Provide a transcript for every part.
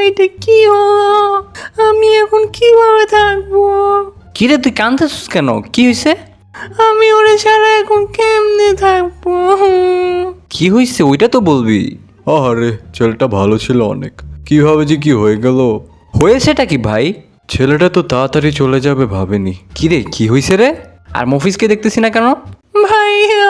এটা কি হলো? আমি এখন কিভাবে থাকবো? কিরে তুই কাঁদতেছিস কেন? কি হয়েছে? আমি ওরে ছাড়া এখন কেমনে থাকবো? কি হয়েছে ওইটা তো বলবি। আরে ছেলেটা ভালো ছিল অনেক, কিভাবে যে কি হয়ে গেল। হয়েছেটা কি ভাই? ছেলেটা তো তাড়াতাড়ি চলে যাবে ভাবেনি। কিরে কি হয়েছে রে? আর মফিজকে দেখতেছি না কেন? ভাইয়া,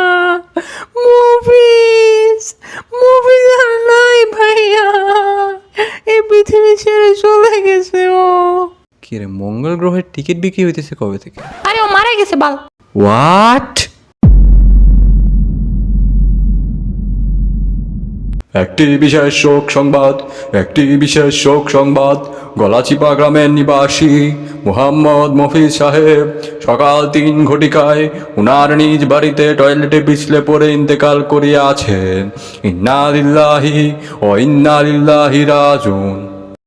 মুভিস মুভিস আর নাই ভাইয়া, এই পৃথিবী ছেড়ে চলে গেছে ও। কিরে মঙ্গল গ্রহের টিকিট বিক্রি হইতেছে কবে থেকে? আরে ও মারা গেছে বাল। হোয়াট? একটি বিশেষ শোক সংবাদ, একটি বিশেষ শোক সংবাদ। গলাচিপা গ্রামের নিবাসী মুহাম্মদ মফিজ সাহেব সকাল 3 ঘটিকায় উনার নিজ বাড়িতে টয়লেটে পিছলে পড়ে ইন্তেকাল করিয়াছেন। ইন্না লিল্লাহি ও ইন্না ইলাইহি রাজিউন।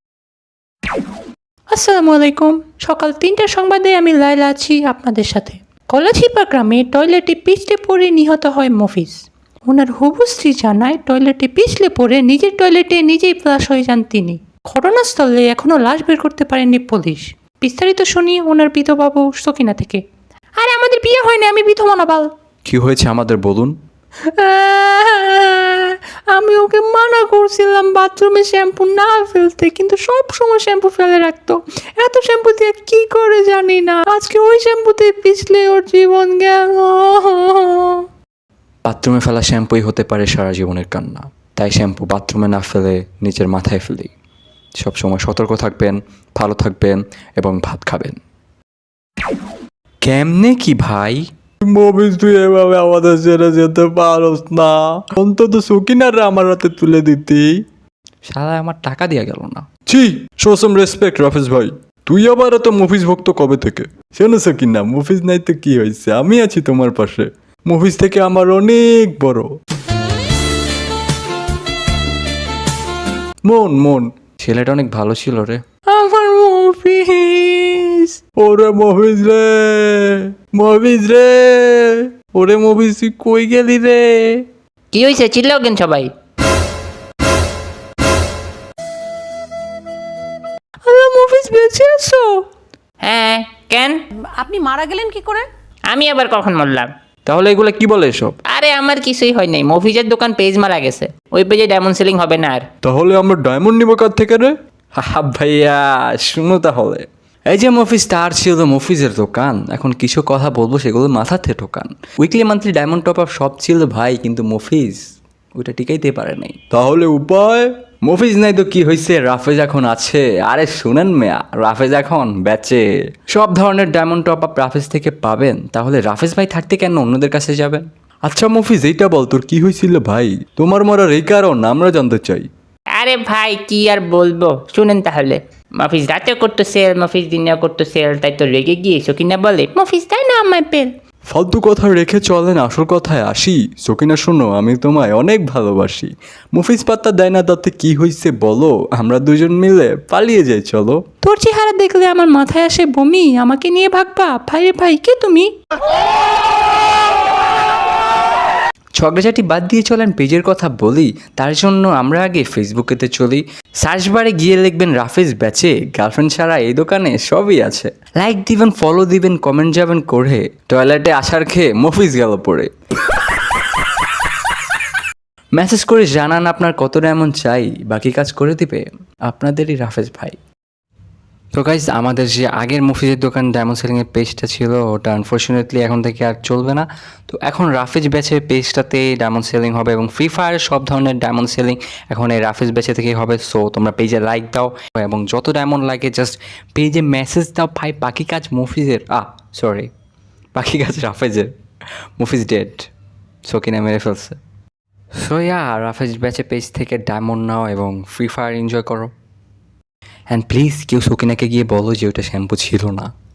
আসসালামু আলাইকুম। সকাল 3টার সংবাদে আমি লাইলা আছি আপনাদের সাথে। কলাচিপা গ্রামে টয়লেটে পিছলে পড়ে নিহত হয় মফিজ। ওনার হবু স্ত্রী জানায় টয়লেটে পিছলে পড়ে নিজের টয়লেটে নিজেই ফ্লাশ হয়ে যান তিনি। ঘটনাস্থলে এখনও লাশ বের করতে পারেননি পুলিশ। বিস্তারিত শুনি ওনার বিধবাবু সকিনা থেকে। আরে আমাদের বিয়ে হয়নি, আমি বিধবা না বাল। কি হয়েছে আমাদের বলুন। আমি ওকে মানা করছিলাম বাথরুমে শ্যাম্পু না ফেলতে, কিন্তু সব সময় শ্যাম্পু ফেলে রাখতো। এত শ্যাম্পু দিয়ে কি করে জানি না, আজকে ওই শ্যাম্পুতে পিছলে ওর জীবন গেল। বাথরুমে ফেলা শ্যাম্পুই হতে পারে সারা জীবনের কান্না। তাই শ্যাম্পু বাথরুমে না ফেলে নিজের মাথায় ফেলি। সবসময় সতর্ক থাকবেন, ভালো থাকবেন এবং ভাত খাবেন। কেমনে কি ভাই? মফিজ তুই এভাবে আমাদের ছেড়ে যেতে পারস না, অন্তত সকিনারে আমার হাতে তুলে দিতি। শালা আমার টাকা দিয়া গেল না। ছি, শো সাম রেসপেক্ট রাফেজ ভাই। তুই আবার এত মফিজ ভক্ত কবে থেকে? শোনো সকিনা, মফিজ নাই তো কি হয়েছে, আমি আছি তোমার পাশে। মফিজ থেকে আমার অনেক বড় মন মন। ছেলেটা অনেক ভালো ছিল রে। আমার মফিজ। ওরে মফিজ রে, মফিজ রে, ওরে মফিজ তুই কই গেলি রে? কি হয়েছে চিল্লাও কেন সবাই? আল্লাহ, মফিজ বেঁচে আছো? হ্যাঁ, কেন? আপনি মারা গেলেন কি করে? আমি আবার কখন মরলাম? তাহলে এগুলা কি বলে এসব? আরে আমার কিছুই হয় নাই, মফিজের দোকান পেজ মারা গেছে, ওই পেজে ডায়মন্ড সেলিং হবে না আর। তাহলে আমরা ডায়মন্ড নিব কার থেকে রে? হা ভাইয়া শুনো তাহলে। এই যে মফিজ তার ছিল মফিজের দোকান, এখন কিছু কথা বলবো সেগুলো মাথাতে ঢোকান। Weekly monthly diamond top up সব ছিল ভাই, কিন্তু মফিজ ওইটা টিকাইতে পারে নাই। তাহলে উপায়? মফিজ নাই তো কি হয়েছে, রাফেজ এখন আছে। আরে শুনেন মেয়া, রাফেজ এখন বেচে। সব ধরনের ডায়মন্ড টপ আপ রাফেজ থেকে পাবেন। তাহলে রাফেজ ভাই থাকতে কেন অন্যদের কাছে যাবেন? আচ্ছা মফিজ, এইটা বল তোর কি হয়েছিল ভাই? তোমার মরার এই কারণ আমরা জানতে চাই। আরে ভাই কি আর বলবো, শুনেন তাহলে। মফিজ রাতে করতো সেল, মফিজ দিনে করতো সেল, তাই তো রেগে গিয়েছো কিনা বলে মফিজ তাই না আমার পেল। ফালতু কথা রেখে চলেন আসল কথায় আসি। সকিনা শোনো, আমি তোমায় অনেক ভালোবাসি। মফিজ পাত্তা দেয় না, তাতে কি হয়েছে বলো? আমরা দুজন মিলে পালিয়ে যাই চলো। তোর চেহারা দেখলে আমার মাথায় আসে বমি। আমাকে নিয়ে ভাগবা? ভাই রে ভাই, কে তুমি? ঝগড়াঝাটি বাদ দিয়ে চলেন পেজের কথা বলি। তার জন্য আমরা আগে ফেসবুকেতে চলি। সার্চ বারে গিয়ে লিখবেন রাফেজ বেচে, গার্লফ্রেন্ড ছাড়া এই দোকানে সবই আছে। লাইক দিবেন, ফলো দিবেন, কমেন্ট যাবেন করে। টয়লেটে আসার খেয়ে মফিজ গেল পড়ে। মেসেজ করে জানান আপনার কত ডায়মন্ড চাই, বাকি কাজ করে দিবে আপনাদেরই রাফেজ ভাই। তো গাইজ, আমাদের যে আগের মফিজের দোকান ডায়মন্ড সেলিংয়ের পেজটা ছিল, ওটা আনফর্চুনেটলি এখন থেকে আর চলবে না। তো এখন রাফেজ ব্যাচের পেজটাতে ডায়মন্ড সেলিং হবে এবং ফ্রি ফায়ারের সব ধরনের ডায়মন্ড সেলিং এখন এই রাফেজ ব্যাচে থেকেই হবে। সো তোমরা পেজে লাইক দাও এবং যত ডায়মন্ড লাগে জাস্ট পেজে মেসেজ দাও ভাই। বাকি কাজ মফিজের, সরি, বাকি কাজ রাফেজের। মফিজ ডেড, সকিনা মেরে ফেলছে। সো রাফেজ ব্যাচের পেজ থেকে ডায়মন্ড নাও এবং ফ্রি ফায়ার এনজয় করো। অ্যান্ড প্লিজ কেউ সকিনাকে গিয়ে বলো যে ওটা শ্যাম্পু ছিল না।